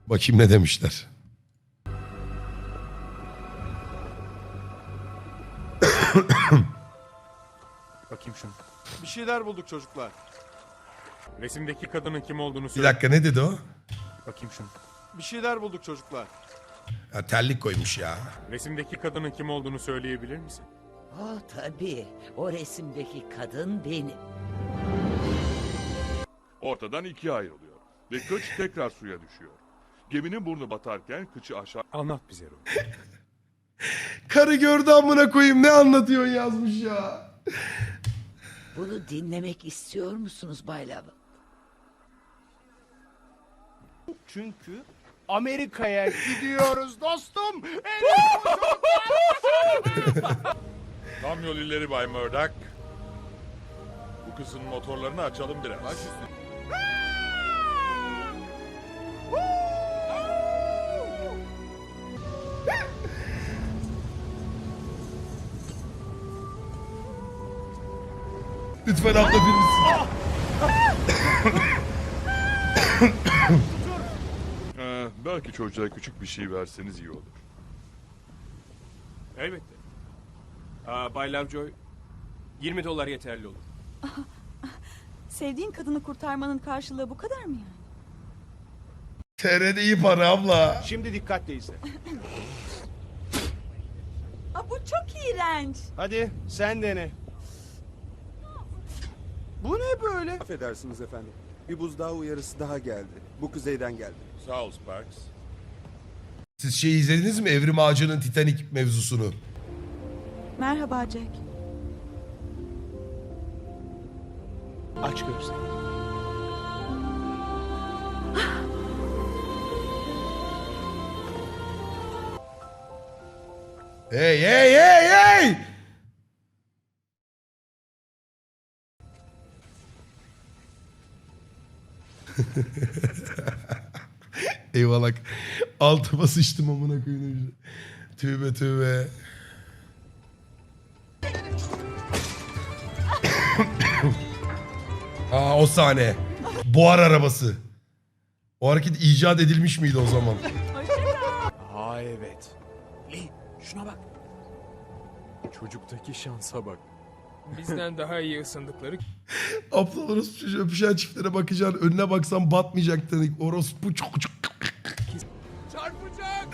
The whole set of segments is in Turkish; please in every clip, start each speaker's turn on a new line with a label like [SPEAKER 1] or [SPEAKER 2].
[SPEAKER 1] Bakayım ne demişler.
[SPEAKER 2] Bakayım şunu.
[SPEAKER 3] Bir şeyler bulduk çocuklar.
[SPEAKER 2] Resimdeki kadının kim olduğunu
[SPEAKER 1] Bir
[SPEAKER 2] söyle.
[SPEAKER 1] dakika ne dedi o?
[SPEAKER 2] Bakayım şunu.
[SPEAKER 3] Bir şeyler bulduk çocuklar.
[SPEAKER 1] Ya terlik koymuş ya.
[SPEAKER 2] Resimdeki kadının kim olduğunu söyleyebilir misin?
[SPEAKER 4] Oh tabii. O resimdeki kadın benim.
[SPEAKER 5] Ortadan ikiye ayrılıyor ve kıç tekrar suya düşüyor. Geminin burnu batarken kıçı aşağı
[SPEAKER 2] Anlat bize Roy.
[SPEAKER 1] Karı gördü amına koyayım ne anlatıyorsun yazmış ya.
[SPEAKER 4] Bunu dinlemek istiyor musunuz Bay Love?
[SPEAKER 3] Çünkü Amerika'ya gidiyoruz dostum.
[SPEAKER 5] Tam yol ileri Bay Murdoch. Bu kızın motorlarını açalım biraz.
[SPEAKER 1] Lütfen abla birisi.
[SPEAKER 5] Belki çocuğa küçük bir şey verseniz iyi olur.
[SPEAKER 6] Elbette. Bay Lovejoy, 20 dolar yeterli olur.
[SPEAKER 7] Sevdiğin kadını kurtarmanın karşılığı bu kadar mı yani?
[SPEAKER 1] TR'de iyi para abla.
[SPEAKER 3] Şimdi dikkatle izle.
[SPEAKER 7] Aa, bu çok iğrenç.
[SPEAKER 3] Hadi sen dene. Bu ne böyle?
[SPEAKER 8] Affedersiniz efendim. Bir buzdağı uyarısı daha geldi. Bu kuzeyden geldi.
[SPEAKER 5] Sağ ol Sparks.
[SPEAKER 1] Siz şey izlediniz mi? Evrim Ağacı'nın Titanic mevzusunu.
[SPEAKER 7] Merhaba Jack.
[SPEAKER 3] Aç gözlerini.
[SPEAKER 1] Hey hey hey hey! Eyvallah. Altıma sıçtım amına koyayım. Tövbe tövbe. Aa o sahne. Buhar arabası. O hareket icat edilmiş miydi o zaman?
[SPEAKER 3] Aa evet.
[SPEAKER 2] Lee, şuna bak. Çocuktaki şansa bak.
[SPEAKER 6] Bizden daha iyi ısındıkları
[SPEAKER 1] Abla orospu çocuğu öpüşen çiftlere bakacaksın. Önüne baksan batmayacaktın. Orospu çocuk.
[SPEAKER 6] çarpacak.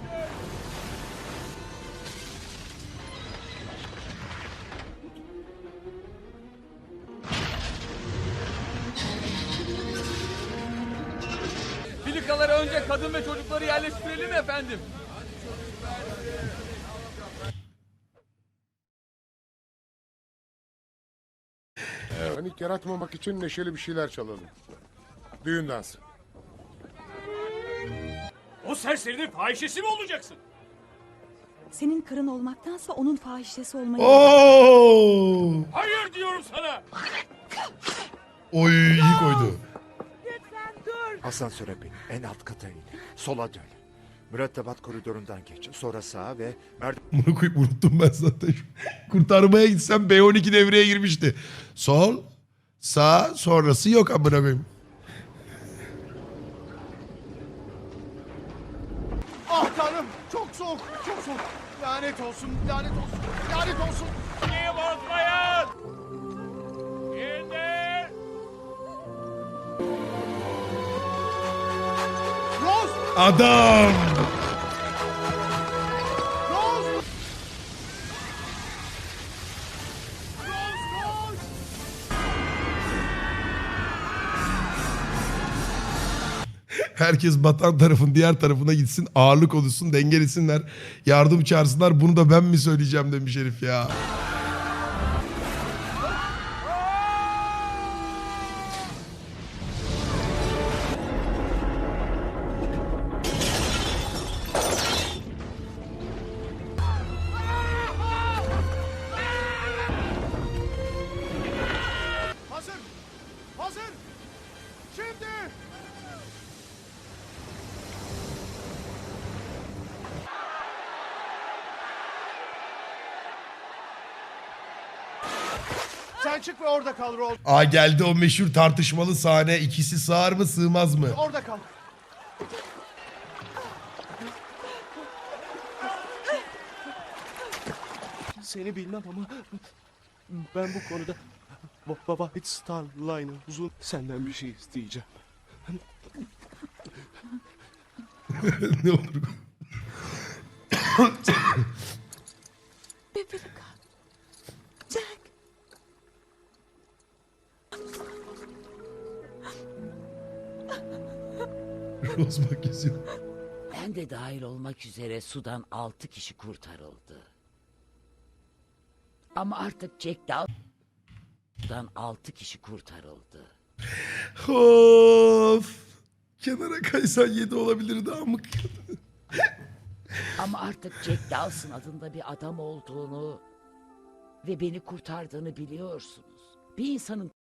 [SPEAKER 6] Filikalara önce kadın ve çocukları yerleştirelim efendim.
[SPEAKER 9] Panik yaratmamak için neşeli bir şeyler çalalım. Düğün dansı.
[SPEAKER 6] O serserinin fahişesi mi olacaksın?
[SPEAKER 7] Senin karın olmaktansa onun fahişesi olmayı...
[SPEAKER 1] Oo!
[SPEAKER 6] Hayır diyorum sana.
[SPEAKER 1] Oy iyi koydu.
[SPEAKER 10] Asansöre bin. En alt kata in. Sola dön. Mürettebat koridorundan geç. Sonra sağa ve
[SPEAKER 1] Bunu koyup unuttum ben zaten. Kurtarmaya gitsem B12 devreye girmişti. Sol, sağ, sonrası yok amına koyayım.
[SPEAKER 3] Ah tanrım çok soğuk çok soğuk. Lanet olsun lanet olsun lanet olsun.
[SPEAKER 6] Niye bozmayın? İndir.
[SPEAKER 3] Rose!
[SPEAKER 1] Adam!
[SPEAKER 3] Rose! Rose!
[SPEAKER 1] Herkes batan tarafın diğer tarafına gitsin. Ağırlık oluşsun, dengelesinler. Yardım çağırsınlar. Bunu da ben mi söyleyeceğim demiş herif ya.
[SPEAKER 3] Hazır! Hazır! Şimdi! Sen çık ve orada kal Rose.
[SPEAKER 1] Aa geldi o meşhur tartışmalı sahne. İkisi sığar mı sığmaz mı?
[SPEAKER 3] Orada kal. seni bilmem ama ben bu konuda White Star Line'ı uzun senden bir şey isteyeceğim.
[SPEAKER 1] Ne olur.
[SPEAKER 7] Bebeğim. Jack.
[SPEAKER 1] Rose bak yazıyor.
[SPEAKER 4] Ben de dahil olmak üzere sudan 6 kişi kurtarıldı. Ama artık Jack Dawson'dan 6 kişi kurtarıldı.
[SPEAKER 1] Of. Kenara kaysan 7 olabilirdi amık.
[SPEAKER 4] Ama artık Jack Dawson adında bir adam olduğunu ve beni kurtardığını biliyorsunuz. Bir insanın